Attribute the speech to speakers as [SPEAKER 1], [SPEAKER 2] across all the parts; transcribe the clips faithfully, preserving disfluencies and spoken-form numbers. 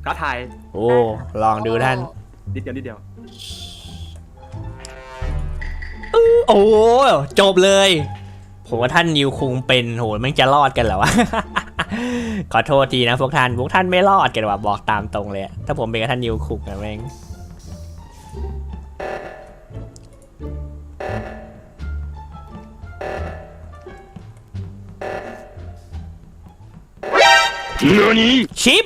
[SPEAKER 1] ท้าทาย
[SPEAKER 2] โอ้ลองดูท่าน
[SPEAKER 1] นิดเดียวนิดเดียว
[SPEAKER 2] โอ้จบเลยผมว่าท่านนิวคุงเป็นโหมันจะรอดกันเหรอวะ ขอโทษทีนะพวกท่านพวกท่านไม่รอดกันว่ะบอกตามตรงเลยถ้าผมเป็นกับท่านนิวคุงนะแม่งชิป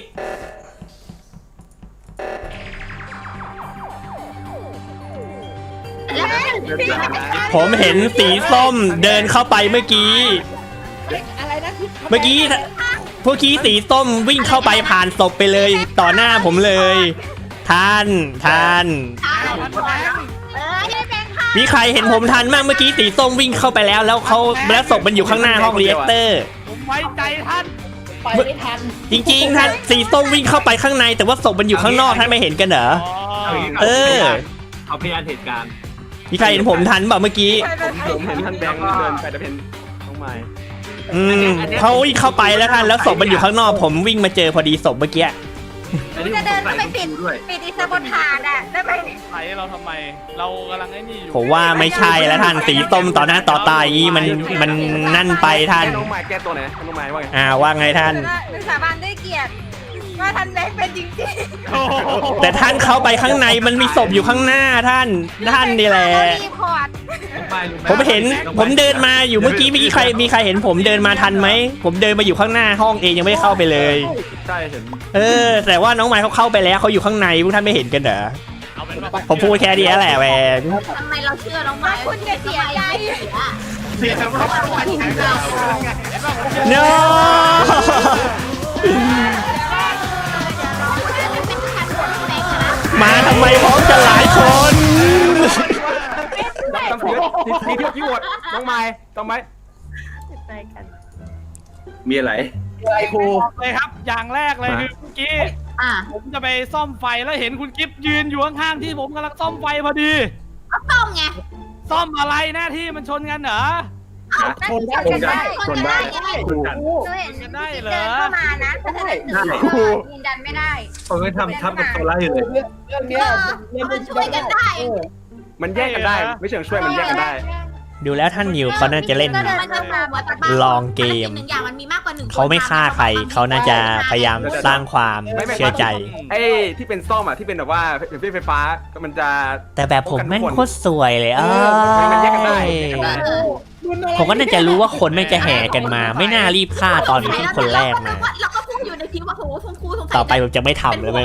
[SPEAKER 2] ผมเห็นสีส้มเดินเข้าไปเมื่อกี้เมื่อกี้พวกกี้สีส้มวิ่งเข้าไปผ่านศพไปเลยต่อหน้าผมเลยท่านท่านมีใครเห็นผมทันบ้างเมื่อกี้สีส้มวิ่งเข้าไปแล้วแล้วเขาแล้วศพมันอยู่ข้างหน้าห้องเรียกเตอร์
[SPEAKER 3] ผมไว้ใจท่าน
[SPEAKER 4] ไปไม่ทัน
[SPEAKER 2] จริงๆท่านสีส้มวิ่งเข้าไปข้างในแต่ว่าศพมันอยู่ข้างนอกท่านไม่เห็นกันเหรอเออ
[SPEAKER 1] เอาพยานเหตุการณ์
[SPEAKER 2] มีใครเห็นผมทันเปล่าเมื่อกี้
[SPEAKER 1] ผมเห็นท่านแบงค์เดินไปแต่เป็นน้องไม้
[SPEAKER 2] อืมเขาวิ่งเข้าไปแล้วท่านแล้วศพมันอยู่ข้างนอกผมวิ่งมาเจอพอดีศพเมื่อกี้
[SPEAKER 5] จะเดินเข้าไปปิดปิดอิสบนฐานอ่ะได้ไหม
[SPEAKER 3] ไหนเราทำไมเรากำลังไอ้นี่อยู่
[SPEAKER 2] ผมว่าไม่ใช่แล้วท่านสีส้มต่อหน้าต่อตาอย่างนี้มันมันนั่นไปท่าน
[SPEAKER 1] น้องไม้แก้ตัวไหนน้องไม้ว่าไง
[SPEAKER 2] อ่าว่าไงท่าน
[SPEAKER 5] สาบานด้วยเกียรติว่าท่านแบงค์เป็นจริง
[SPEAKER 2] ๆแต่ท่านเข้าไปข้างในมันมีศพอยู่ข้างหน้าท่านท่านนี่แหละผมเห็นผมเดินมาอยู่เมื่อกี้เมื่อกี้ใครมีใครเห็นผมเดินมาทันไหมผมเดินมาอยู่ข้างหน้าห้องเองยังไม่เข้าไปเลย
[SPEAKER 1] ใช่เห็น
[SPEAKER 2] เออแต่ว่าน้องไม้เขาเข้าไปแล้วเขาอยู่ข้างในพวกท่านไม่เห็นกันเหรอผมพูดแค่นี้แหละแหวน
[SPEAKER 5] ทำไมเราเชื่อน้องไม้คุณจะเสียใจ
[SPEAKER 1] เสียใจ
[SPEAKER 2] เนาะมาทำไมพร้อมกันหลายคน
[SPEAKER 1] ต้องเยอะทีเดียวกี่วดน้องไม้ต้องไหมมีอะไร
[SPEAKER 4] อะไรครู
[SPEAKER 3] เลยครับอย่างแรกเลยคือเมื่อกี้ผมจะไปซ่อมไฟแล้วเห็นคุณกิฟต์ยืนอยู่ข้างๆที่ผมกำลังซ่อมไฟพอดี
[SPEAKER 5] ซ่อมไง
[SPEAKER 3] ซ่อมอะไรหน้าที่มันชนกันเหรอ
[SPEAKER 5] ชนได้ชนได้ชนได้ชนกันเห็นกันได้เหรอเดินเข้ามานะแต่ถ้าเดินยืนยันไม่ได้
[SPEAKER 1] ผมไม่ทำทำกับตัวไล่เลย
[SPEAKER 4] เรื่องนี้
[SPEAKER 5] มันช่วยกันได้
[SPEAKER 1] มันแยกกันได้ไม่เชิงช่วยมันแยกกันได้
[SPEAKER 2] ดูแล้วท่านนิวเขาน่าจะเล่นลองเกมเขาไม่ฆ่าใครเขาน่าจะพยายามสร้างความเชื่อใจ
[SPEAKER 1] ไอ้ที่เป็นซ่อมอ่ะที่เป็นแบบว่าไฟฟ้ามันจะ
[SPEAKER 2] แต่แบบผมแม่งโคตรสวยเลยอ่ะ
[SPEAKER 1] มันแยกกันได้
[SPEAKER 2] ผมก็น่าจะรู้ว่าคนไม่จะแห่กันมาไม่น่ารีบฆ่าตอนที่คนแรกมา
[SPEAKER 5] เราก็พูดอยู่ในทีว่าโหชมพูสงสัย
[SPEAKER 2] ต่อไปผมจะไม่ทำแล้วมั้ง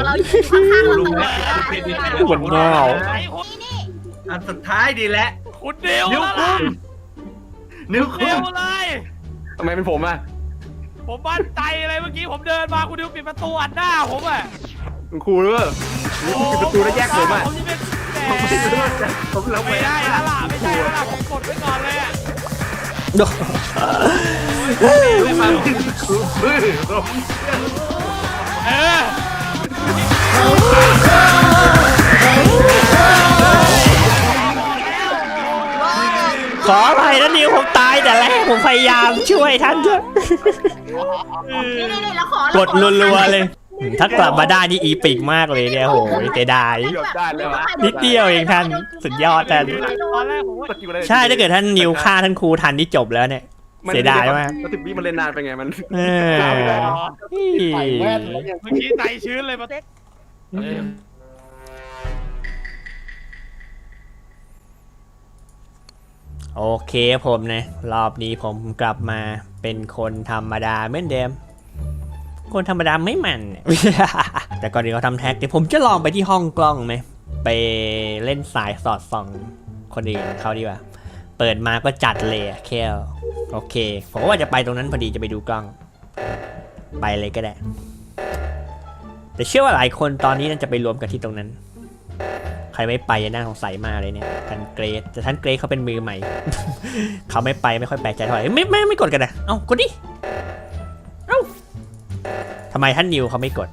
[SPEAKER 2] เหมือนเงา
[SPEAKER 1] อันสุดท้ายดีแล้ว
[SPEAKER 3] คุณเดียวนิ้วคุ้ม
[SPEAKER 1] นิ้วคุ้ม
[SPEAKER 3] เลย
[SPEAKER 1] ทำไมเป็นผมอ่ะ
[SPEAKER 3] ผมมั่นใจเลยเมื่อกี้ผมเดินมาคุณดิวปิดประตูอัดหน้าผมอ่ะ
[SPEAKER 1] คุณครูเนอะปิดประตูแล้วแยกผมอ่ะ
[SPEAKER 3] ผมไม่ได้แล้วล่ะไม่ใช่แล้วล่ะผมกดไว้ก่อนเลยอ่ะ
[SPEAKER 1] ไม่มา
[SPEAKER 3] เออ
[SPEAKER 2] ขออภัยนะนิวผมตายแต่แรกผมพยายามช่วยท่านด้วยกดรัวๆเลยถ้ากลับมาได้นี่อีปิกมากเลยเนี่ยโหยเตดายนิดเดียวเองท่านสุดยอดท่านใช่ถ้าเกิดท่านนิวฆ่าท่านครูทันนี่จบแล้วเนี่ยเสียดายมาก
[SPEAKER 1] มันติดวิมันเล่นนานไปไงมัน
[SPEAKER 2] เออ
[SPEAKER 3] เมื่อกี้ใจชื้นเลยมาเต็ก
[SPEAKER 2] โอเคผมนะรอบนี้ผมกลับมาเป็นคนธรรมดาเหมือนเดิมคนธรรมดาไม่มันแต่ก่อนที่เขาทำแท็กเดี๋ยวผมจะลองไปที่ห้องกล้องไหมไปเล่นสายสอดส่องคนอื่นเขาดีกว่าเปิดมาก็จัดเลยแค่โอเคผมว่าจะไปตรงนั้นพอดีจะไปดูกล้องไปเลยก็ได้แต่เชื่อว่าหลายคนตอนนี้น่าจะไปรวมกันที่ตรงนั้นใครไม่ไปจะน่าสงสัยมากเลยเนี่ยท่านเกรซแต่ท่านเกรซเขาเป็นมือใหม่ เขาไม่ไปไม่ค่อยแปลกใจเท่าไหร่ไม่ไม่ไม่กดกันนะเอ้ากดดิเอ้าทำไมท่านนิวเขาไม่กด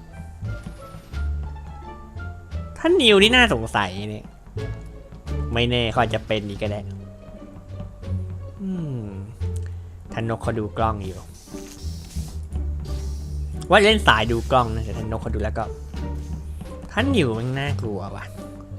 [SPEAKER 2] ท่านนิวนี่น่าสงสัยเนี่ยไม่แน่เขาอาจจะเป็นนี่ก็ได้อืมท่านนกเขาดูกล้องอยู่ว่าเล่นสายดูกล้องนะแต่ท่านนกเขาดูแล้วก็ท่านนิวมันน่ากลัวว่ะ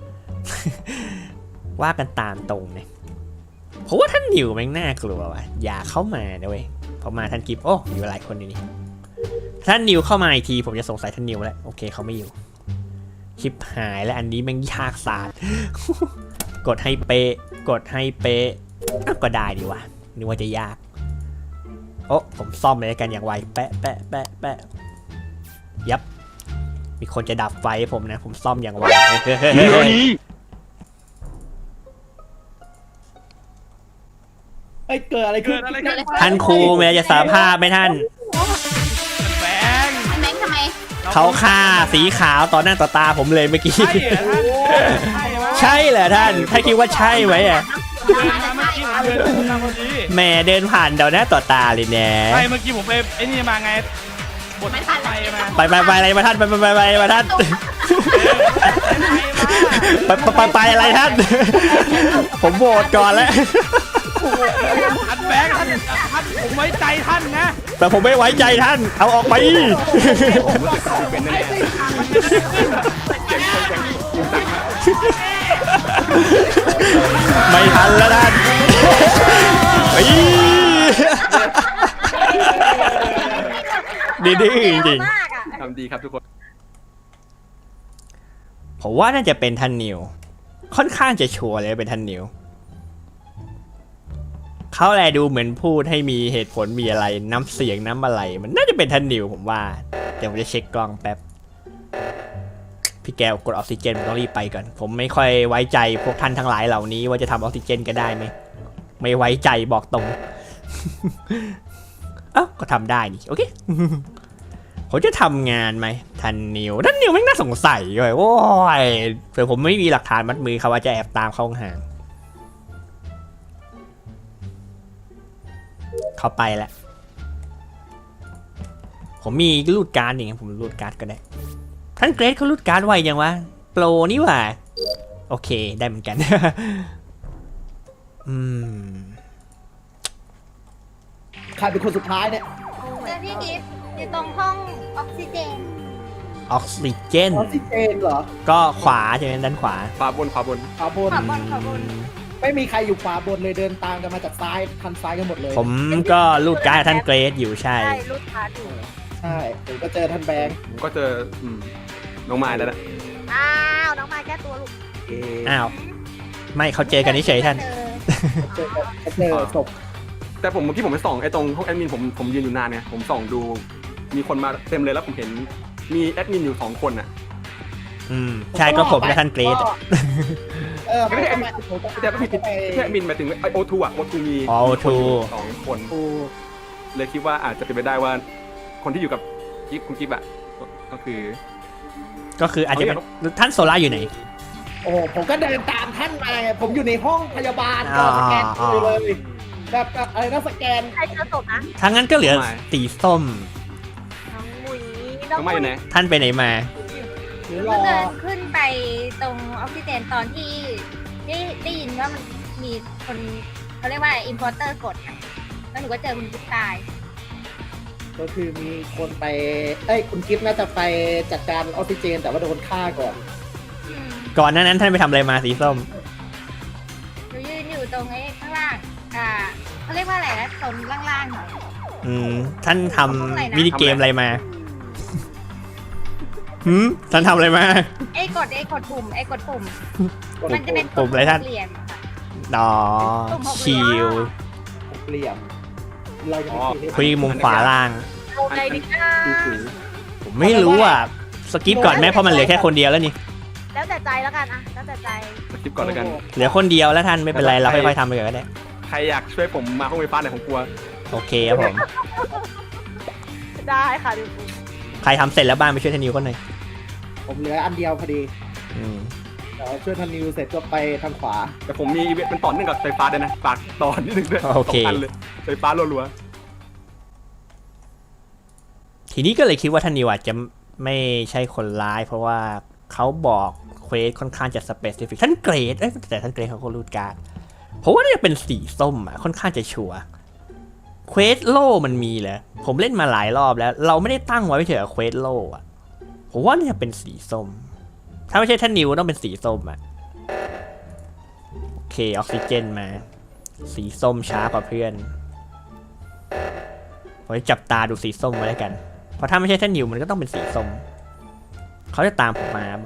[SPEAKER 2] ว่ากันตามตรงเนี่ยเพราะว่าท่านนิวมันน่ากลัวว่ะอย่าเข้ามาด้วยพอมาท่านกิฟโอ้อยู่หลายคนอยู่นี่ท่านนิวเข้ามาอีกทีผมจะสงสัยท่านนิวแล้วโอเคเขาไม่อยู่ชิบหายแล้วอันนี้แม่งยากศาสตร์ กดให้เป๊ะกดให้เป๊ะก็ได้ดีว่ะนึกว่าจะยากโอ้ผมซ่อมเลยกันอย่างไวแปะแปะแปะแปะยับมีคนจะดับไฟผมนะผมซ่อมอย่างไว
[SPEAKER 4] ไอ้เกิดอะไรขึ้น
[SPEAKER 2] ท่านครูแม้จะสารภาพไหมท่าน
[SPEAKER 3] แบงค์
[SPEAKER 5] แบงค์ทำไม
[SPEAKER 2] เขาฆ่าสีขาวต่อหน้าต่อตาผมเลยเมื่อกี้
[SPEAKER 3] ใช่เหรอท่านใช่ไหม
[SPEAKER 2] ใช่เหรอท่านถ้าคิดว่าใช่ไหมอ่ะ
[SPEAKER 3] เดินมาเมื่อกี้ผมเดินมาพอดี
[SPEAKER 2] แหม่เดินผ่านต่อหน้าต่อตาเลยแน่
[SPEAKER 3] ใช่เมื่อกี้ผมไปไอ้นี่มาไงบทไฟมา
[SPEAKER 2] ไปไปไปอะไรมาท่านไปไปไปไปมาท่านไปไปไปไปอะไรท่าน ผมโหวตก่อนแล้ว
[SPEAKER 3] ท่านแบงค์ท่านท่านผมไว้ใจท่านนะ
[SPEAKER 2] แต่ผมไม่ไว้ใจท่านเอาออกไป
[SPEAKER 1] เป็นแน่ๆเก่งคนเก่งจริงจังมาก
[SPEAKER 2] ไม่ทันแล้วท่านเฮ้ยดีดีจริง
[SPEAKER 5] มากอ่ะ
[SPEAKER 1] ทำดีครับทุกคน
[SPEAKER 2] ๆผมว่าน่าจะเป็นท่านนิวค่อนข้างจะชัวร์เลยเป็นท่านนิวเขาแลดูเหมือนพูดให้มีเหตุผลมีอะไรน้ำเสียงน้ำอะไรมันน่าจะเป็นท่านนิวผมว่าเดี๋ยวผมจะเช็คกล้องแป๊บพี่แก้วกดออกซิเจนผมต้องรีบไปก่อนผมไม่ค่อยไว้ใจพวกท่านทั้งหลายเหล่านี้ว่าจะทำออกซิเจนกันได้ไหมไม่ไว้ใจบอกตรง เอ้าก็ทำได้นี่โอเค ผมจะทำงานไหมท่านนิวท่านนิวไม่น่าสงสัยเลยโอ้ยแต่ผมไม่มีหลักฐานมัดมือเขาว่าจะแอบตามเข้าห่างเข้าไปแล้วผมมีรูดการ์ดอย่างเงี้ยผมรูดการ์ดก็ได้ท่านเกรซเขารูดการ์ดไวยังวะโปรนี่หว่าโอเคได้เหมือนกัน อืม
[SPEAKER 4] ใครเป็นคนสุดท้ายเนี่ย
[SPEAKER 5] เจอพี่กิฟต์อยู่ตรงห้องออกซิเจน
[SPEAKER 2] ออกซิเจน
[SPEAKER 4] ออกซิเจนเหรอ
[SPEAKER 2] ก็ขวาใช่ไหมด้านขวา
[SPEAKER 1] ขวาบนขวาบน
[SPEAKER 4] ขวาบน
[SPEAKER 5] ขอบนขอบน
[SPEAKER 4] ไม่มีใครอยู่ขวาบนเลยเดินตามกันมาจากซ้ายทันซ้ายกันหมดเลย
[SPEAKER 2] ผมก็รูดการ์ดท่านเกรซอยู่ใช่
[SPEAKER 5] ใช่รูดพาร์ทอยู่
[SPEAKER 4] ใช่ผมก็เจอท่านแบงค์
[SPEAKER 1] ผมก็เจออืมน้องไม้แล้วนะ
[SPEAKER 5] อ้าวน้องมาแก้ตัวลูก
[SPEAKER 4] เอ๊ะ
[SPEAKER 2] อ้าวไม่เขาเจอกันเฉยๆท่าน
[SPEAKER 5] เจอ
[SPEAKER 4] เจอเจอศพ
[SPEAKER 1] แต่ผมเมื่อกี้ผมไปส่องไอ้ตรงห้องแอดมินผมผมยืนอยู่นานไงผมส่องดูมีคนมาเต็มเลยแล้วผมเห็นมีแอดมินอยู่สองคนอ่ะ
[SPEAKER 2] อืมใช่ก็ผมและท่านเกรซอะ
[SPEAKER 4] เออ
[SPEAKER 1] ไม่ใช่แอดมิน
[SPEAKER 4] ผมก็
[SPEAKER 1] แต่ก็ผิด
[SPEAKER 4] ไป
[SPEAKER 1] แค่แอดมินหมายถึงไอโอทูอ่ะโอทูมี
[SPEAKER 2] อ๋อ โอ ทู
[SPEAKER 1] สองคน
[SPEAKER 4] กู
[SPEAKER 1] เลยคิดว่าอาจจะเป็นไปได้ว่าคนที่อยู่กับกิ๊บคุณกิ๊บอ่ะก็คือ
[SPEAKER 2] ก็คืออาจจะเป็นท่านโซล่าอยู่ไหน
[SPEAKER 4] โอ้ผมก็เดินตามท่านมาไงผมอยู่ในห้องพยาบาลก็สแกนคิวเลยแบบแบบอะไรนะสแกน
[SPEAKER 5] ใครเจอศพนะ
[SPEAKER 2] ทั้งนั้นก็เหลือสีส้ม
[SPEAKER 5] น้องมุ้ย
[SPEAKER 1] น้องไม้อยู่ไหน
[SPEAKER 2] ท่านไปไหนมา
[SPEAKER 4] หรือร
[SPEAKER 5] เพิ่
[SPEAKER 4] อง
[SPEAKER 5] เดินขึ้นไปตรงออกซิเจนตอนที่ได้ได้ยินว่ามันมีคนเขาเรียกว่าอินพอร์เตอร์กดอะแล้วหนูก็เจอคุณกิ๊ฟตาย
[SPEAKER 4] ก็คือมีคนไปเอ้ยคุณกิฟต์น่าจะไปจัดการออกซิเจน แต่ว่าโดนฆ่าก่อน
[SPEAKER 5] อืม
[SPEAKER 2] ก่อนหน้านั้นท่านไปทำอะไรมาสีส้ม
[SPEAKER 5] หนูยืนอยู่ตรงไอ้ข้างล่าง อ่าเขาเรียกว่าอะไรนะตรงล่างๆหน่อย
[SPEAKER 2] อืมท่านท
[SPEAKER 5] ทำอะไรนะ
[SPEAKER 2] ำมินิเกมอะไรมา หืมท่านทำอะไรมา
[SPEAKER 5] ไอ้กดไอ้กดปุ่มไอ้กดปุ่ม มันจะเป็น
[SPEAKER 2] ปุ่มอะไรท่าน
[SPEAKER 5] เหลี่ยมค่ะ
[SPEAKER 2] อ๋อชิล
[SPEAKER 4] เปลี่ยนเราจะ
[SPEAKER 1] อ๋อ
[SPEAKER 2] คุยมุมขวาล่าง
[SPEAKER 5] เอาไงดีนะ
[SPEAKER 1] คือคือ
[SPEAKER 2] ผมไม่รู้อ่ะสกิปก่อนไหมเพราะมันเหลือแค่คนเดียวแล้วนี่
[SPEAKER 5] แล้วแต่ใจแล้วกันอะแล้วแต่ใจ
[SPEAKER 1] สกิปก่อนแล้วกัน
[SPEAKER 2] เหลือคนเดียวแล้วท่านไม่เป็นไรเราค่อยๆทำไปก่อนก็ได้
[SPEAKER 1] ใครอยากช่วยผมมาห้องไฟฟ้าหน่อยผมกลัว
[SPEAKER 2] โอเคครับผม
[SPEAKER 5] ได้ค่ะดู
[SPEAKER 2] ใครทำเสร็จแล้วบ้างไปช่วยท่านนิวคนหน่อย
[SPEAKER 4] ผมเหลืออันเดียวพอดี
[SPEAKER 2] อืม
[SPEAKER 4] เดี๋ยวช่วยทันนิวเสร็จก็ไปทางขวา
[SPEAKER 1] แต่ผมมีอีเวนต์มันต่อเนื่องกับไฟฟ้าด้วยนะฝากต่อนิดนึงด้วย
[SPEAKER 2] โอเค
[SPEAKER 1] สงอันเลยไฟฟ้ารัว
[SPEAKER 2] ทีนี้ก็เลยคิดว่าท่านนิวอาจจะไม่ใช่คนร้าย เพราะว่าเขาบอกเควสค่อนข้างจะสเปซิฟิกท่านเกรดเอ้ยแต่ท่านเกรดเขาก็รูดการ์ดเพราะว่าน่าจะเป็นสีส้มอ่ะค่อนข้างจะชัวร์เควสโล่มันมีเหรอผมเล่นมาหลายรอบแล้ว เราไม่ได้ตั้งไว้เฉยๆเควสโล่อ่ะผมว่าน่าจะเป็นสีส้มถ้าไม่ใช่ท่านนิวต้องเป็นสีส้มอะโอเคออกซิเจนมา สีส้มช้ากว่าเพื่อนผมจะจับตาดูสีส้มไว้แล้วกันเพราะถ้าไม่ใช่ท่านนิวมันก็ต้องเป็นสีส้มเขาจะตามผมมา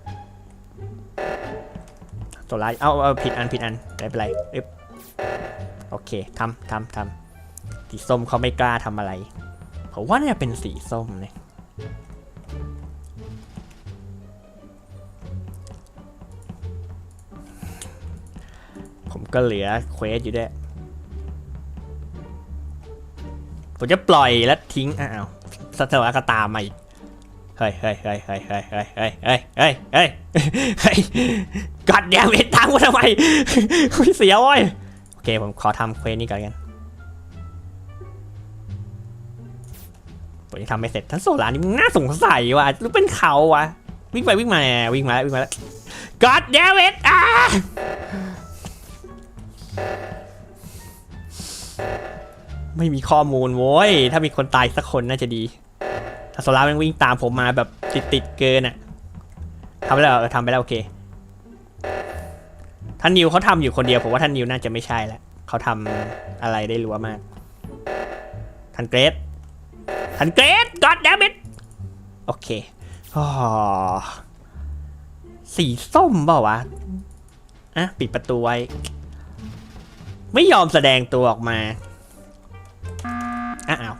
[SPEAKER 2] โซล่าเอาเอาผิดอันผิดอันไม่เป็นไรเอ๊ะโอเคทำทำทำสีส้มเขาไม่กล้าทำอะไรผมว่าน่าจะเป็นสีส้มเนี่ยผมก็เหลือเควสอยู่ด้วยผมจะปล่อยแล้วทิ้งอ้าวสเตอร์ก็ตามมาอีกเฮ้ยเฮ้ยเฮ้ยเฮ้ยเฮ้ยเฮ้ยเฮ้ยเฮ้ยเฮ้ยเฮ้ยเฮ้ยกอดแดงเวทตามกูทำไมเสียเว้ยโอเคผมขอทำเควสนี้ก่อนกันผมจะทำไม่เสร็จทั้งโซลานี่มึงน่าสงสัยว่ะรู้เป็นเขาวะวิ่งไปวิ่งมาวิ่งมาแล้ววิ่งมาแล้วกอดแดงเวทอ่ะไม่มีข้อมูลโว้ยถ้ามีคนตายสักคนน่าจะดีถ้าโซล่ามันวิ่งตามผมมาแบบติดติดเกินอ่ะทำไปแล้วเออทำไปแล้วโอเคท่านนิวเขาทำอยู่คนเดียวผมว่าท่านนิวน่าจะไม่ใช่แล้วเขาทำอะไรได้รัวมากท่านเกรซท่านเกรซก็อดแดมอิทโอเคอ๋อสีส้มเปล่าวะอ่ะปิดประตูไว้ไม่ยอมแสดงตัวออกมาอ้าว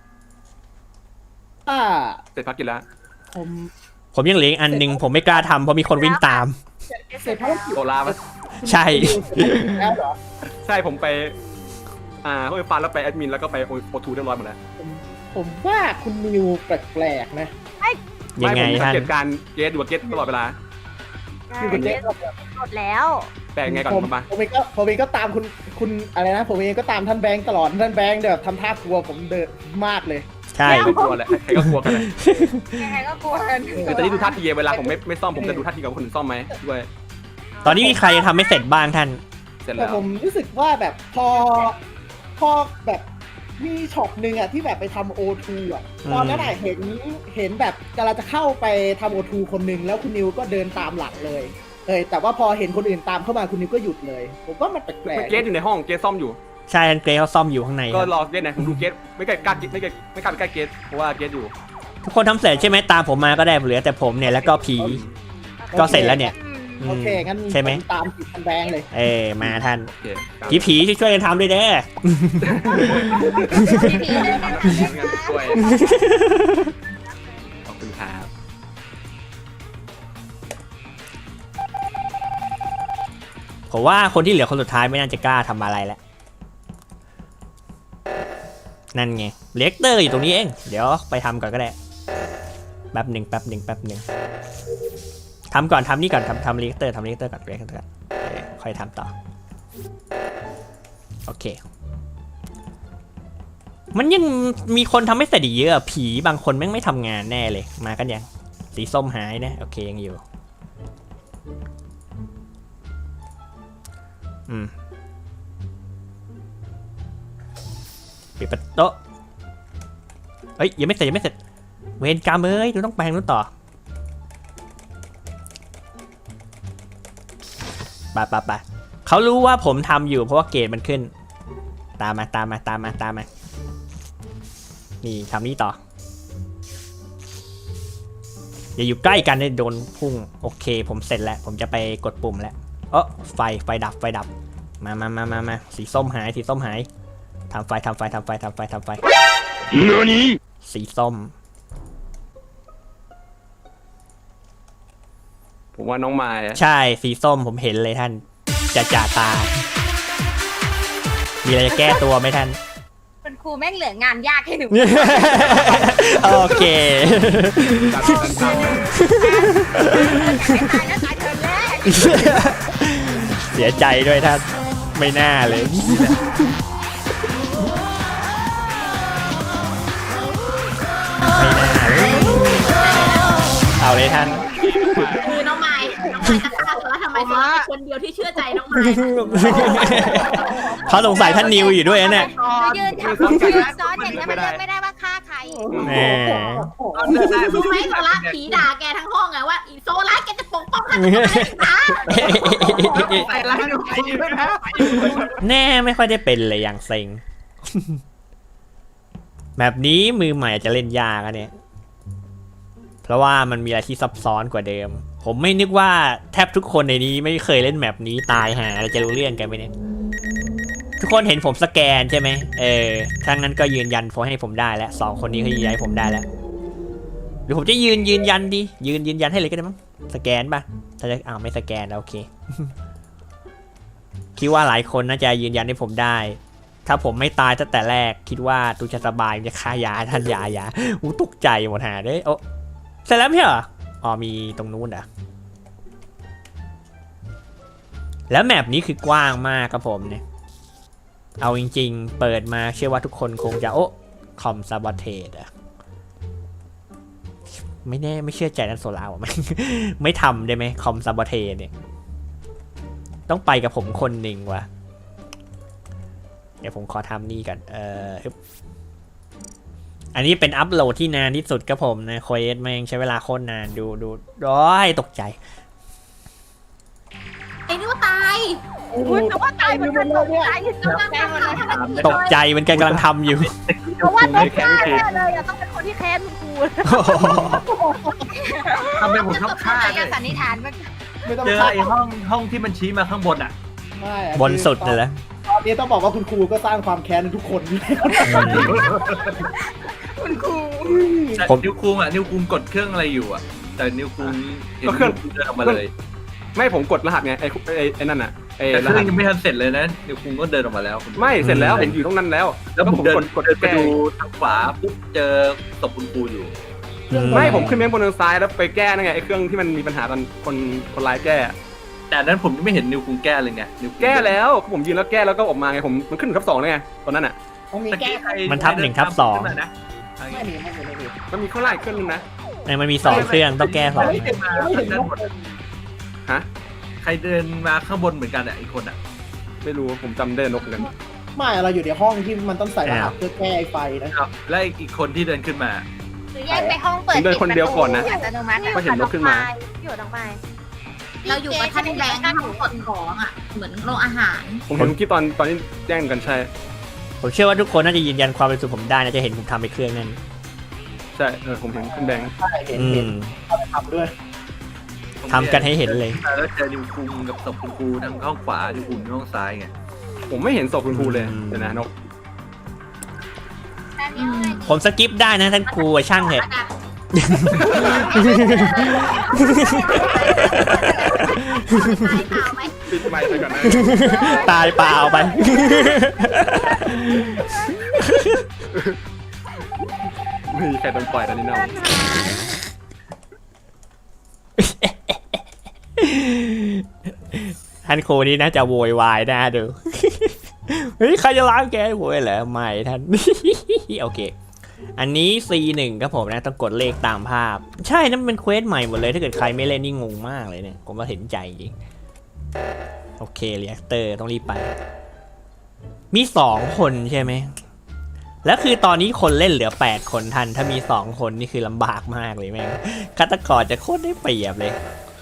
[SPEAKER 4] อ่า
[SPEAKER 1] เสร็จภารกิจแล้ว
[SPEAKER 4] ผม
[SPEAKER 2] ผมยังเหลืออีกอันหนึ่งผมไม่กล้าทำเพราะมีคนวิ่งตาม
[SPEAKER 4] เสร็จภารกิจ
[SPEAKER 1] โซล่าปะ
[SPEAKER 2] ใช่
[SPEAKER 4] แล้วเหรอ
[SPEAKER 1] ใช่ผมไปอ่าเขาไปฟันแล้วไปแอดมินแล้วก็ไปโอทูเรียบร้อยหมดแล้ว
[SPEAKER 4] ผมผมว่าคุณนิวแปลกๆนะ
[SPEAKER 2] ยังไง
[SPEAKER 1] ม่ผมสั
[SPEAKER 2] ท่าน
[SPEAKER 1] เกตการเกตดูว่าเกตตลอดเวลา
[SPEAKER 4] คือคุณเจ๊
[SPEAKER 5] หมดแล้ว
[SPEAKER 1] แปลงไงก่อน
[SPEAKER 4] ผม
[SPEAKER 1] มา
[SPEAKER 4] ผมเองก็ผมเองก็ตามคุณคุณอะไรนะ ผมเองก็ตามท่านแบงค์ตลอดท่านแบงค์แบบทำท่ากลัวผมเดินมากเลย
[SPEAKER 2] ใช่
[SPEAKER 1] ไม่กลัวแหละใครก็กลัวกันแหละ
[SPEAKER 5] ยังไงก็กลัวกัน
[SPEAKER 1] คือตอนนี้ดูท่าทีเวลาผมไม่ไม่ซ่อมผมจะดูท่าทีกับคนอื่นซ่อมไหมด้วย
[SPEAKER 2] ตอนนี้มีใครยังทำไม่เสร็จบ้างท่าน
[SPEAKER 1] เสร็จ
[SPEAKER 4] แต่
[SPEAKER 1] แล้ว
[SPEAKER 4] ผมรู้สึกว่าแบบพอพอแบบมีช็อตหนึ่งอะที่แบบไปทำโอทูอะ
[SPEAKER 2] อืม
[SPEAKER 4] ตอนนั้นอะเห็นเห็นแบบกำลังจะเข้าไปทำโอทูคนหนึ่งแล้วคุณนิวก็เดินตามหลังเลยเอยแต่ว่าพอเห็นคนอื่นตามเข้ามาคุณนิวก็หยุดเลย ผมว่ามันแปลก
[SPEAKER 1] เกตอยู่ในห้องเกตซ่อมอยู่
[SPEAKER 2] ใช่ท่านเกรซเขาซ่อมอยู่ข้างในค
[SPEAKER 1] ก็
[SPEAKER 2] รับ
[SPEAKER 1] รอเกตนะผมดูเกตไม่กล้ากล้าไม่กล้าไม่กล้าไปใกล้เกตเพราะว่าเกตอยู่
[SPEAKER 2] ทุกคนทำเสร็จใช่ไหมตามผมมาก็ได้เหลือแต่ผมเนี่ยแล้วก็ผีก็เสร็จแล้วเนี่ยอืม
[SPEAKER 4] โอเคงั้น
[SPEAKER 2] ใช่ไหม
[SPEAKER 4] ผตามติดท่านแบงค์เลย
[SPEAKER 2] เออมาท่าน
[SPEAKER 1] โอเคครับ
[SPEAKER 2] ผีผีช่วยกันทำด้วยเด้อ
[SPEAKER 1] ช่วยขอบคุณครับ
[SPEAKER 2] ผมว่าคนที่เหลือคนสุดท้ายไม่น่าจะกล้าทำอะไรแล้วนั่นไงเลกเตอร์อยู่ตรงนี้เองเดี๋ยวไปทำก่อนก็ได้แป๊บหนึ่งแป๊บหนึ่งแป๊บหนึ่งทำก่อนทำนี่ก่อนทำทำเลกเตอร์ทำเลกเตอร์ก่อนเลกเตอร์ก่อนเออค่อยทำต่อโอเคมันยังมีคนทำไม่เสร็จอีกเยอะผีบางคนแม่งไม่ทำงานแน่เลยมากันยังสีส้มหายนะโอเคยังอยู่อืมปิดประตูเอ้ยยังไม่เสร็จยังไม่เสร็จเวรกรรมเอ้ยดูต้องไปทางนู้นต่อไปไปไปเขารู้ว่าผมทำอยู่เพราะว่าเกรดมันขึ้นตามมาตามมาตามมาตามมานี่ทำนี่ต่ออย่าอยู่ใกล้กันเลยโดนพุ่งโอเคผมเสร็จแล้วผมจะไปกดปุ่มแล้วเออไฟไฟดับไฟดับมามามามามาสีส้มหายสีส้มหายทำไฟทำไฟทำไฟทำไฟทำไฟสีส้ม
[SPEAKER 1] ผมว่าน้องมายอะ
[SPEAKER 2] ใช่สีส้มผมเห็นเลยท่านจะจ่าตา มีอะไรจะแก้ตัวไหมท่าน
[SPEAKER 5] คุณครูแม่งเหลืองานยากให้หนู
[SPEAKER 2] โอเค
[SPEAKER 1] ตามตามตาม
[SPEAKER 5] ตายแล้วตายเธอแรก
[SPEAKER 2] เสียใจด้วยท่านไม่น่าเลย ไม่น่าเลยเอาเลยท่าน
[SPEAKER 6] คือน้องไม้น้องไม้จะฆ่าแล้วทำไมโซล่าเป็นคนเดียวที่เชื่อใจน้องไม้
[SPEAKER 2] เขาสงสัยท่านนิวอยู่ด้วยนะเนี่ย
[SPEAKER 5] ยืนทำยืนซ้อนอย่างนี้มันเลือกไม่ได้ว่าฆ่าใคร
[SPEAKER 2] แหม
[SPEAKER 6] รู้ไหมโซล่าผีด่าแกทั้งห้องไงว่าอีโซล่าแกจะปก
[SPEAKER 7] ใส่ร้ายนิวคุงด้วยนะ
[SPEAKER 2] แน่ไม่ค่อยได้เป็นเลยอย่างเซ็ง แบบนี้มือใหม่อาจจะเล่นยากอะเนี่ยเพราะว่ามันมีอะไรที่ซับซ้อนกว่าเดิมผมไม่นึกว่าแทบทุกคนในนี้ไม่เคยเล่นแมปนี้ตายหาเราจะรู้เรื่องกันไหมเนี่ยทุกคนเห็นผมสแกนใช่ไหมเออถ้างั้นก็ยืนยันโฟให้ผมได้แล้วสองคนนี้เขายืนยันให้ผมได้แล้วหรือผมจะยืนยืนยันดิยืนยืนยันให้เลยก็ได้มั้งสแกนป่ะถ้าจะอ้าวไม่สแกนแล้วโอเค คิดว่าหลายคนน่าจะยืนยันให้ผมได้ ถ้าผมไม่ตายตั้งแต่แรกคิดว่าตูจะสบายจะฆ่ายาท่านยายาอู้ตกใจหมดหาได้โอ้เสร็จแล้วไม่เหรออ๋อมีตรงนู้นอ่ะแล้วแมปนี้คือกว้างมากครับผมเนี่ยเอาจริงๆเปิดมาเชื่อว่าทุกคนคงจะโอ้คอมซาบอเทสอะไม่แน่ไม่เชื่อใจนันโซลาว่ะ ไม่ ไม่ทำได้ไหมคอมซาบอเทสเนี่ยต้องไปกับผมคนหนึ่งว่ะเดี๋ยวผมขอทำนี่กันเอ่ออันนี้เป็นอัพโหลดที่นานที่สุดครับผมนะโคเอสแม่งใช้เวลาโคตรนานดูดูร้อยตกใจ
[SPEAKER 6] ไอ้นี่ว่าตาย
[SPEAKER 4] โอ้โห
[SPEAKER 6] แต่ว่าตายเหมือนกันตกใจกำลังทำอะไร
[SPEAKER 2] ตกใจเหมือนกันกำลังทำอยู่
[SPEAKER 6] เพราะว่าตกใจแน่เลยอะต้องเป็นคนที่แค้นคุณครู
[SPEAKER 7] ทำไมผมต้องฆ่า
[SPEAKER 5] ใคร
[SPEAKER 7] เล
[SPEAKER 5] จะ
[SPEAKER 7] ย
[SPEAKER 5] สันนิษฐานว่า
[SPEAKER 4] ไม่ต้อง
[SPEAKER 7] เจอ
[SPEAKER 4] ฆ่า
[SPEAKER 7] ไอ้ห้องห้องที่มันชี้มาข้างบนอ่ะ
[SPEAKER 4] ไม่อะ
[SPEAKER 2] บนสุดเลยละ
[SPEAKER 4] ตอนนี้ต้องบอกว่าคุณครูก็สร้างความแค้นในทุกคนอยู่แล้ว
[SPEAKER 6] คุณครู
[SPEAKER 7] แต่นิวคุงอ่ะนิวคุงกดเครื่องอะไรอยู่อ่ะแต่นิวคุงเดินออกมาเลย
[SPEAKER 1] ไม่ผมกดรหัสไงไอ้ไอ้ไอ้นั่นน่ะไอ้
[SPEAKER 7] แต่
[SPEAKER 1] ร
[SPEAKER 7] เครื่
[SPEAKER 1] หั
[SPEAKER 7] อง
[SPEAKER 1] ส
[SPEAKER 7] ยังไม่ทันเสร็จเลยนะนิวคุงก็เดินออกมาแล้ว
[SPEAKER 1] ไม่เสร็จแล้วเห็นอยู่ตรงนั้นแล้ว
[SPEAKER 7] แล้วผม
[SPEAKER 1] ผม
[SPEAKER 7] เดิน
[SPEAKER 1] กดกด
[SPEAKER 7] เดินไป
[SPEAKER 1] แก้
[SPEAKER 7] ดูทางขวาปุ๊บเจอศพคุณครูอยู่
[SPEAKER 1] ไม่ผมขึ้นไปบนทางซ้ายแล้วไปแก้นั่นไงไอ้เครื่องที่มันมีปัญหาตอนคนคนร้ายแก้
[SPEAKER 7] แต่นั้นผมยังไม่เห็นนิวคุงแก้เลยไงนิวคุง
[SPEAKER 1] แก้แล้วผมยืนแล้วแก้แล้วก็ออกมาไงผมมันขึ้นทับสองเลยไงตอนนั้นอ่ะ
[SPEAKER 4] ต้องมี
[SPEAKER 7] ตะ
[SPEAKER 4] แก้
[SPEAKER 7] กี้ใคร
[SPEAKER 2] มันทับหนึ่งทับสอง
[SPEAKER 7] ขึ้นมานะ
[SPEAKER 4] ไม่มีไม่มีไม่มี
[SPEAKER 1] มันมีข้างล่างอีกเครื่องนึงนะ
[SPEAKER 2] ในมันมีสองเครื่องต้องแก้สอง
[SPEAKER 4] ไม่เห็นไม่เห็นนกเลย
[SPEAKER 1] ฮะ
[SPEAKER 7] ใครเดินมาข้างบนเหมือนกันอ่ะอีกคนอ่ะ
[SPEAKER 1] ไม่รู้ผมจำได้นกเหมือนกัน
[SPEAKER 4] ไม่เราอยู่ในห้องที่มันต้องใส่รหัสเพื่อแก้ไอ้ไฟนะ
[SPEAKER 7] ครับและอีกคนที่เดินขึ้นมา
[SPEAKER 5] หรือแยกไปห้องเปิด
[SPEAKER 1] ผมเดินคนเดียวก่อนนะ
[SPEAKER 5] อัตโนมัติอะ
[SPEAKER 1] ก็เห็นนกขึ้นมา
[SPEAKER 6] อยู่ตรงไปเราอยู่กับท่านแบงค์ท่านกดของอ่ะเหมือนโรงอาหาร
[SPEAKER 1] ผมเห็นคลิปตอนตอนที่แย่งกันใช่
[SPEAKER 2] ผมเชื่อว่าทุกคนน่าจะยืนยันความเป็นสุดผมได้นะจะเห็นผมทำไปเครื่องนั้น
[SPEAKER 1] ใช่เออผมเห็นคุณแบงค์
[SPEAKER 4] ใช่เห็น
[SPEAKER 2] อื
[SPEAKER 4] เห็น
[SPEAKER 2] ม
[SPEAKER 4] เอาไปทำด้วย
[SPEAKER 2] ทำกันให้เห็นเลย
[SPEAKER 7] แล้วเจอนิวคุงกับศพคุณครูทางห้องขวานิวคุงอยู่ห้องซ้ายไง
[SPEAKER 1] ผมไม่เห็นศพคุณครูเลย
[SPEAKER 2] อืม
[SPEAKER 1] เดี๋ยวนะนก
[SPEAKER 5] อันนี้อะไร
[SPEAKER 2] ผมสกิปได้นะท่านครูอะช่างเถอะ
[SPEAKER 1] ปิดไมค์ไปก่อนนะ
[SPEAKER 2] ตายเปล่าไป
[SPEAKER 1] ไม่มีใครโดนปล่อยตอนนี้เนาะ
[SPEAKER 2] ท่านครูนี่น่าจะโวยวายนะดู เฮ้ยใครจะล้างแกโวยเหรอไม่ท่าน โอเค อันนี้ ซี หนึ่ง ครับผมนะต้องกดเลขตามภาพ ใช่นั่นเป็นเควสใหม่หมดเลยถ้าเกิดใครไม่เล่นนี่งงมากเลยเนี่ยผมว่าเห็นใจจริงโอเคเรียกเตอร์ต้องรีบไป มีสองคนใช่ไหมแล้วคือตอนนี้คนเล่นเหลือแปดคนทันถ้ามีสองคนนี่คือลำบากมากเลยแม่งฆาตกรจะโคตรได้เปรียบเลย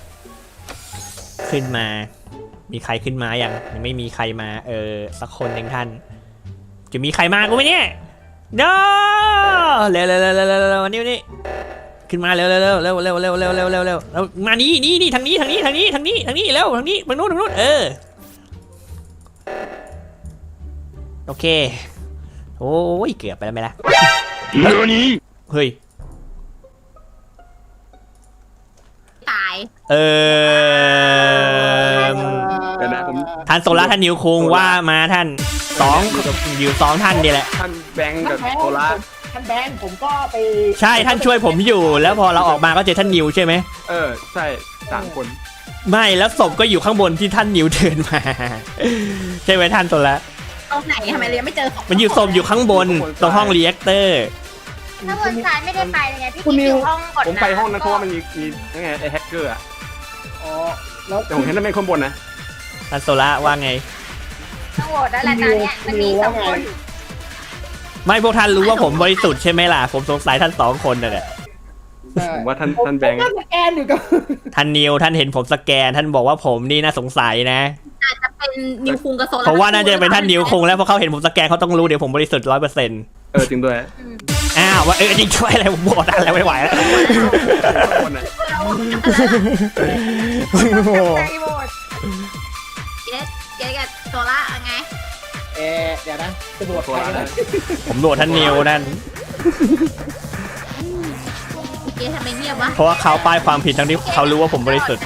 [SPEAKER 2] ขึ้นมา มีใครขึ้นมายังยังไม่มีใครมาเออสักคนหนึ่งท่าน จะมีใครมากูไหมเนี่ยเด้อเร็วเร็วเร็วเร็วเร็วเร็วนี่นี่ขึ้นมาเร็วเร็วเร็วเร็วเร็วเร็วเร็วเร็วเร็วเร็วแล้วมานี่นี่นี่ทางนี้ทางนี้ทางนี้ทางนี้ทางนี้เร็วทางนี้ทางนู้นทางนู้นเออโอเคโอ้ยเกือบไปแล้วไหมล่ะเฮ้ย
[SPEAKER 6] ตาย
[SPEAKER 2] เออ
[SPEAKER 1] เดี๋ยวนะผม
[SPEAKER 2] ท่านโซล่าท่านนิวคุงว่ามาท่านสองอยู่สองท่านนี่แหละ
[SPEAKER 1] ท่านแบงค์
[SPEAKER 4] ท่า
[SPEAKER 1] กับ
[SPEAKER 4] นแบงค์
[SPEAKER 1] โซล่า
[SPEAKER 4] ท่านแบงค์ผมก็ไป
[SPEAKER 2] ใช่ท่านช่วยผมอยู่ แล้วพอเราออกมาก็เจอท่านนิวใช่ไหม
[SPEAKER 1] เออใช่สามคน
[SPEAKER 2] ไม่แล้วศพก็อยู่ข้างบนที่ท่านนิวเดินมา ใช่ไหมท่านโซล่า
[SPEAKER 6] ตรงไหนทำไมเรายังไม่เจอของ
[SPEAKER 2] มันอยู่ศพอยู่ข้างบนตรงห้องรีแอคเตอร์
[SPEAKER 5] ถ้าบนซ้ายไม่ได้ไปเลยไงพี่
[SPEAKER 4] คุณ
[SPEAKER 5] กิ๊
[SPEAKER 4] นิ
[SPEAKER 5] อ
[SPEAKER 4] ว
[SPEAKER 5] ยู่ห้องกด
[SPEAKER 1] ผมไปห้องนั้นเพราะว่ามันมีมียังไงไอ้แฮกเกอร์อะ
[SPEAKER 4] อ๋อแล้ว
[SPEAKER 1] แต่ผมเห็นนั่นเป็นคนบนนะ
[SPEAKER 2] ท่านโซล่าว่าไง
[SPEAKER 5] ต้องโหวตแล้วแหละตอนเนี้ยมันมีสองคน
[SPEAKER 2] ไม่พวกท่านรู้ว่าผมบริสุทธิ์ใช่ไหมล่ะผมสงสัยท่านสองคนน่ะแหละ
[SPEAKER 1] ผมว่าท่านท่านแบงค์
[SPEAKER 4] ผมก็สแกนอยู่กับ
[SPEAKER 2] ท่านนิวท่านเห็นผมสแกน ท่านบอกว่าผมนี่น่าสงสัยนะ
[SPEAKER 6] อาจจะเป็นนิวคุงกับโซล่า
[SPEAKER 2] เพราะว่าน่าจะเป็นท่านนิวคงแล้วเพราะเขาเห็นผมสแกนเขาต้องรู้เดี๋ยวผมบริสุทธิ์ร้อยเปอร์เซ็นต์
[SPEAKER 1] เออจริงด้วย
[SPEAKER 2] อ้าวว่าเออจริงช่วยอะไรผมบอกท่านแล้วไม่ไหวแล้ว
[SPEAKER 1] คนอ่ะ
[SPEAKER 5] ใจโหวต
[SPEAKER 6] เกสเกสกับโซล่าไง
[SPEAKER 4] เออเดี๋ยวนะจะบวชใครนะ
[SPEAKER 2] ผมโหวตท่านนิวนั่น
[SPEAKER 6] เกสทำไมเงียบวะ
[SPEAKER 2] เพราะว่าเขาป้ายความผิดทั้งที่เขารู้ว่าผมบริสุทธิ์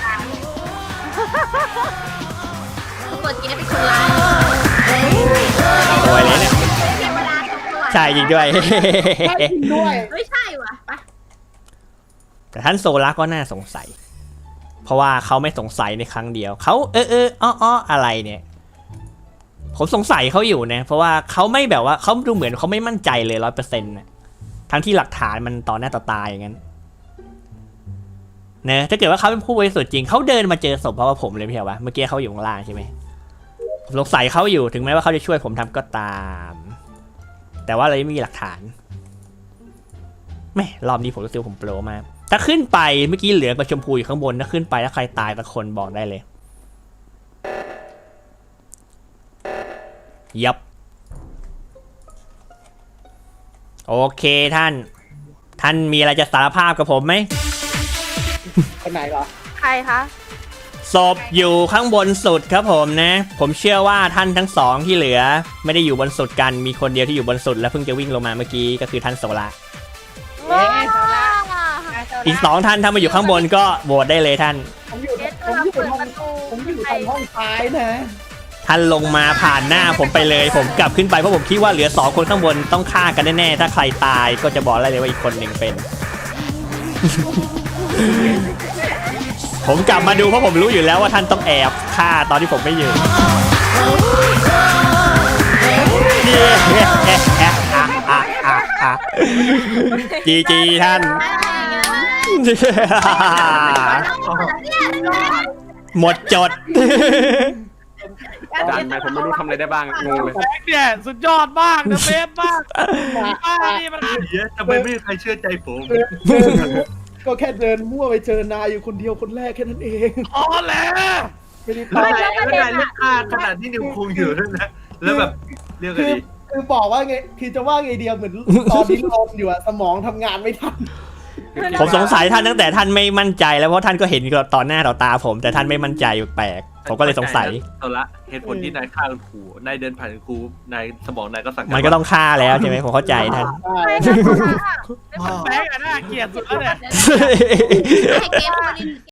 [SPEAKER 6] ทุกคนเกสเป็นคนร้าย
[SPEAKER 2] โวยเลยเนี่ย
[SPEAKER 6] เทวดาทุกคน
[SPEAKER 2] ใช่จริงด้วย
[SPEAKER 4] ท่านจริงด้วย
[SPEAKER 6] ไม่ใช่วะไป
[SPEAKER 2] แต่ท่านโซล่าก็น่าสงสัย เพราะว่าเขาไม่สงสัยในครั้งเดียว เขาเออเอออ้ออ้ออะไรเนี่ย ผมสงสัยเขาอยู่นะ เพราะว่าเขาไม่แบบว่าเขาดูเหมือนเขาไม่มั่นใจเลยร้อยเปอร์เซ็นต์นะทั้งที่หลักฐานมันต่อหน้าต่อตาอย่างนั้นเนะถ้าเกิดว่าเขาเป็นผู้บริสุทธิ์จริงเขาเดินมาเจอศพเพราะว่าผมเลยพี่เหรอวะเมื่อกี้เขาอยู่ข้างล่างใช่ไหมผมสงสัยเขาอยู่ถึงแม้ว่าเขาจะช่วยผมทำก็ตาม แต่ว่าเราไม่มีหลักฐานแม่รอบนี้ผมรู้สึกว่าผมโปรมากถ้าขึ้นไปเมื่อกี้เหลืองกับชมพูอยู่ข้างบนถ้าขึ้นไปแล้วใครตายสักคนบอกได้เลยยับโอเคท่าน ท่านมีอะไรจะสารภาพกับผมไหม
[SPEAKER 4] คนไหนเหรอ
[SPEAKER 5] ใครคะ
[SPEAKER 2] ศพอยู่ข้างบนสุดครับผมนะ ผมเชื่อว่าท่านทั้งสองที่เหลือ ไม่ได้อยู่บนสุดกันมีคนเดียวที่อยู่บนสุดและเพิ่งจะวิ่งลงมาเมื่อกี้ก็คือท่านโซล่า
[SPEAKER 4] เอ๊ะ
[SPEAKER 2] อีกสองท่านถ้ามาอยู่ข้างบนก็โหวตได้เลยท่าน
[SPEAKER 4] ผมอยู่ผมอยู่ห้องผมอยู่ทางห้องซ้ายนะ
[SPEAKER 2] ท่านลงมาผ่านหน้าผมไปเลย ผมกลับขึ้นไปเพราะผมคิดว่าเหลือสองคนข้างบนต้องฆ่ากันแน่ๆถ้าใครตายก็จะบอกได้เลยว่าอีกคนหนึ่งเป็น ผมกลับมาดูเพราะผมรู้อยู่แล้วว่าท่านต้องแอบฆ่าตอนที่ผมไม่อยู่ จีจีท่าน หมดจด
[SPEAKER 1] ด่านไปผมไม่รู้ทำอะไรได้บ้างงงเลย
[SPEAKER 3] แบงค์เนี่ยสุดยอดมากนะเบสมากป้านี่มัน
[SPEAKER 7] เหี้ยทำไมไม่มีใครเชื่อใจผม
[SPEAKER 4] เดินเดินก็แค่เดินมั่วไปเจอนายอยู่คนเดียวคนแรกแค่นั้นเอง
[SPEAKER 3] อ๋อแล้ว
[SPEAKER 4] ไม่ได้
[SPEAKER 7] แล้ว
[SPEAKER 4] ตาย
[SPEAKER 7] นายแล้วนายเลือกฆ่าขนาดที่นิวคุงอยู่ด้วยนะแล้วแบบเรียกไง
[SPEAKER 4] คือ
[SPEAKER 7] ดี
[SPEAKER 4] คือบอกว่าไงคือจะว่าไงเดียวเหมือนตอนนี้ลมอยู่อะสมองทำงานไม่ทัน
[SPEAKER 2] ผมสงสัยท่านตั้งแต่ท่านไม่มั่นใจแล้วเพราะท่านก็เห็นต่อหน้าต่อตาผม แต่ท่านไม่มั่นใจแปลกผมก็เลยสงสัย
[SPEAKER 7] เอาละเหตุผลที่นายฆ่าคุณครูนายเดินผ่านคุณครูนายสมองนายก็สั่งาร
[SPEAKER 2] มันก็ต้องฆ่าแล้วใช่ไหมผมเข้าใจท่าน
[SPEAKER 4] ใช่
[SPEAKER 3] แบงค์อะน่าเกลียดสุดแล้วเนี่ย
[SPEAKER 6] ให้เกสพูดนิด